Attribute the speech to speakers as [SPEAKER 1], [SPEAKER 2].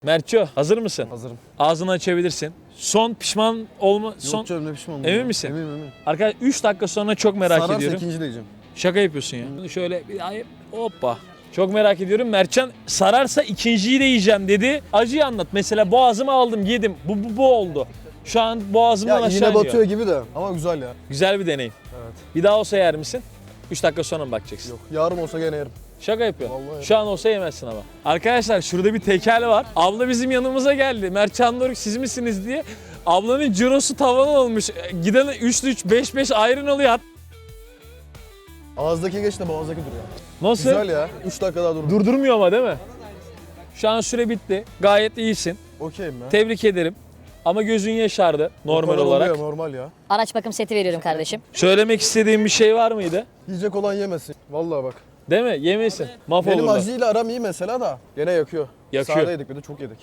[SPEAKER 1] Mertço, hazır mısın?
[SPEAKER 2] Hazırım.
[SPEAKER 1] Ağzını açabilirsin. Son pişman olma... Son...
[SPEAKER 2] Yok canım, ne pişman oldum.
[SPEAKER 1] Emin
[SPEAKER 2] ya.
[SPEAKER 1] misin?
[SPEAKER 2] Eminim.
[SPEAKER 1] Arkadaşlar 3 dakika sonra çok merak
[SPEAKER 2] Sararsa
[SPEAKER 1] ediyorum.
[SPEAKER 2] ikinci de yiyeceğim.
[SPEAKER 1] Şaka yapıyorsun ya. Bunu şöyle bir ay hoppa. Çok merak ediyorum. Mertcan sararsa ikinciyi de yiyeceğim dedi. Acıyı anlat. Mesela boğazıma aldım, yedim. Bu oldu. Şu an boğazımdan
[SPEAKER 2] Ya
[SPEAKER 1] aşağı
[SPEAKER 2] iğne
[SPEAKER 1] iniyor.
[SPEAKER 2] batıyor gibi de ama güzel ya.
[SPEAKER 1] Güzel bir deneyim.
[SPEAKER 2] Evet.
[SPEAKER 1] Bir daha olsa yer misin? 3 dakika sonra mı bakacaksın?
[SPEAKER 2] Yok. Yarım olsa gene yerim.
[SPEAKER 1] Şaka yapıyorsun.
[SPEAKER 2] Vallahi.
[SPEAKER 1] Şu an olsa yemezsin ama. Arkadaşlar şurada bir tekel var. Abla bizim yanımıza geldi. Mertcan Doruk siz misiniz diye. Ablanın cirosu tavan olmuş. Giden 3-3, 5-5 ayrın oluyor.
[SPEAKER 2] Ağızdaki geç de boğazdaki dur ya.
[SPEAKER 1] Nasıl?
[SPEAKER 2] Güzel ya. 3 dakika daha dur.
[SPEAKER 1] Durdurmuyor ama değil mi? Şu an süre bitti. Gayet iyisin.
[SPEAKER 2] Okeyim ya.
[SPEAKER 1] Tebrik ederim. Ama gözün yaşardı normal
[SPEAKER 2] Normal
[SPEAKER 1] olarak.
[SPEAKER 2] oluyor, normal ya.
[SPEAKER 3] Araç bakım seti veriyorum kardeşim.
[SPEAKER 1] Söylemek istediğin bir şey var mıydı?
[SPEAKER 2] Yiyecek olan yemesin. Vallahi bak.
[SPEAKER 1] Değil mi? Yemesin.
[SPEAKER 2] Benim
[SPEAKER 1] Mahvolurlar.
[SPEAKER 2] acıyla aram iyi mesela da gene yakıyor.
[SPEAKER 1] Yakıyor.
[SPEAKER 2] Sade yedik bir de çok yedik.